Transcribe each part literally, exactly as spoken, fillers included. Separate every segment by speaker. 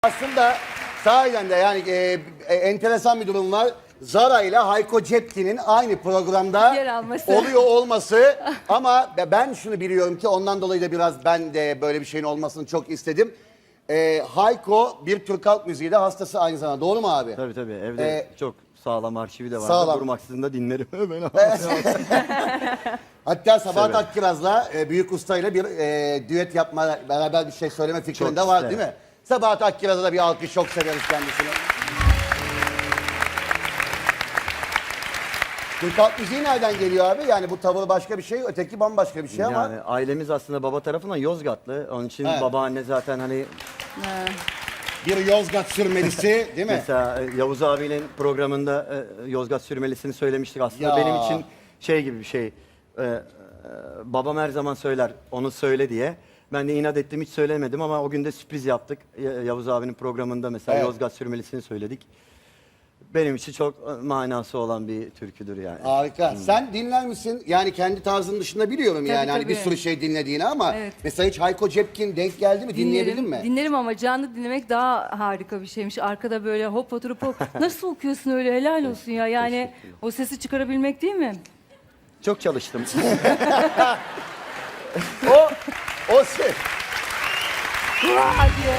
Speaker 1: Aslında sahiden de yani e, e, enteresan bir durum var. Zara ile Hayko Cepkin'in aynı programda
Speaker 2: Yer alması.
Speaker 1: oluyor olması ama ben şunu biliyorum ki ondan dolayı da biraz ben de böyle bir şeyin olmasını çok istedim. E, Hayko bir Türk halk müziği de hastası aynı zamanda. Doğru mu abi?
Speaker 3: Tabii tabii evde
Speaker 1: Ee,
Speaker 3: çok sağlam arşivi de vardı.
Speaker 1: sağlam.
Speaker 3: Durmaksızın da dinlerim. Hemen
Speaker 1: Hatta Sabahat
Speaker 3: Severim.
Speaker 1: Akkiraz'la e, büyük ustayla bir e, düet yapma, beraber bir şey söyleme fikrinde
Speaker 3: Çok
Speaker 1: var
Speaker 3: isterim.
Speaker 1: değil mi? Sabahat Akkiraz'a da bir alkış, çok severiz kendisini. Türk halk müziği nereden geliyor abi? Yani bu tavır başka bir şey, öteki bambaşka bir şey ama...
Speaker 3: Yani ailemiz aslında baba tarafından Yozgatlı. Onun için
Speaker 1: Evet.
Speaker 3: babaanne zaten hani
Speaker 1: Bir Yozgat sürmelisi değil mi?
Speaker 3: mesela e, Yavuz abinin programında e, Yozgat sürmelisini söylemiştik. Aslında
Speaker 1: Ya.
Speaker 3: benim için şey gibi bir şey. E, e, babam her zaman söyler onu söyle diye. Ben de inat ettim hiç söylemedim ama o gün de sürpriz yaptık. Ya- Yavuz abinin programında mesela
Speaker 1: Evet.
Speaker 3: Yozgat sürmelisini söyledik. Benim için çok e, manası olan bir türküdür yani.
Speaker 1: Harika. Sen dinler misin? Yani kendi tarzının dışında biliyorum
Speaker 2: Tabii,
Speaker 1: yani hani bir
Speaker 2: tabii.
Speaker 1: sürü şey dinlediğini ama
Speaker 2: Evet.
Speaker 1: mesela hiç Hayko Cepkin denk geldi mi? Dinleyebildin
Speaker 2: Dinlerim,
Speaker 1: mi?
Speaker 2: Dinlerim ama canlı dinlemek daha harika bir şeymiş. Arkada böyle hop oturup hop. Nasıl okuyorsun öyle, helal olsun ya. Yani o sesi çıkarabilmek değil mi?
Speaker 3: Çok çalıştım.
Speaker 1: O, o şey.
Speaker 2: Vaa diye.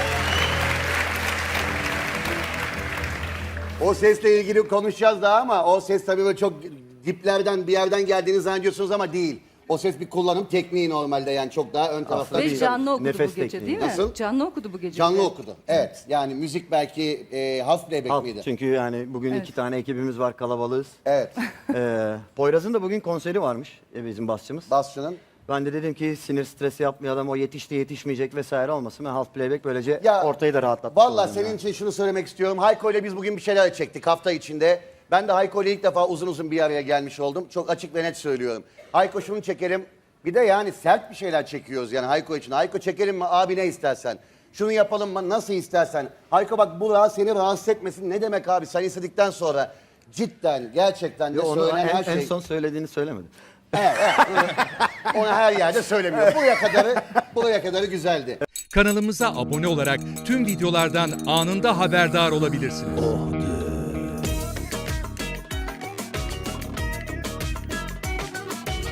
Speaker 1: O sesle ilgili konuşacağız daha ama o ses tabii böyle çok diplerden bir yerden geldiğini zannediyorsunuz ama değil. O ses bir kullanım tekniği normalde yani çok daha ön tarafta
Speaker 2: Ve
Speaker 1: değil.
Speaker 2: canlı okudu
Speaker 3: Nefes
Speaker 2: bu gece
Speaker 3: tekniği.
Speaker 2: değil mi?
Speaker 1: Nasıl?
Speaker 2: Canlı okudu bu gece.
Speaker 1: Canlı okudu. Evet yani müzik belki e, half playback
Speaker 3: Halk,
Speaker 1: miydi?
Speaker 3: çünkü yani bugün
Speaker 2: Evet.
Speaker 3: iki tane ekibimiz var, kalabalığız.
Speaker 1: Evet.
Speaker 3: Ee, Poyraz'ın da bugün konseri varmış e, bizim basçımız.
Speaker 1: Basçının.
Speaker 3: Ben de dedim ki sinir stresi yapmayalım, o yetişti yetişmeyecek vesaire olmasın. Ben half playback böylece
Speaker 1: Ya,
Speaker 3: ortayı da rahatlatmış
Speaker 1: Vallahi
Speaker 3: oluyorum
Speaker 1: senin
Speaker 3: yani.
Speaker 1: için şunu söylemek istiyorum. Hayko ile biz bugün bir şeyler çektik hafta içinde. Ben de Hayko ile ilk defa uzun uzun bir araya gelmiş oldum. Çok açık ve net söylüyorum. Hayko şunu çekelim. Bir de yani sert bir şeyler çekiyoruz yani Hayko için. Hayko çekelim mi abi ne istersen. Şunu yapalım mı nasıl istersen. Hayko bak bu rahat seni rahatsız etmesin. Ne demek abi sen istedikten sonra cidden gerçekten de
Speaker 3: Yo, onu
Speaker 1: söylenen
Speaker 3: en,
Speaker 1: her şey.
Speaker 3: en son söylediğini söylemedim.
Speaker 1: Evet, evet. Onu, onu her yerde söylemiyor. Buraya kadarı, buraya kadarı güzeldi.
Speaker 4: Kanalımıza abone olarak tüm videolardan anında haberdar olabilirsiniz.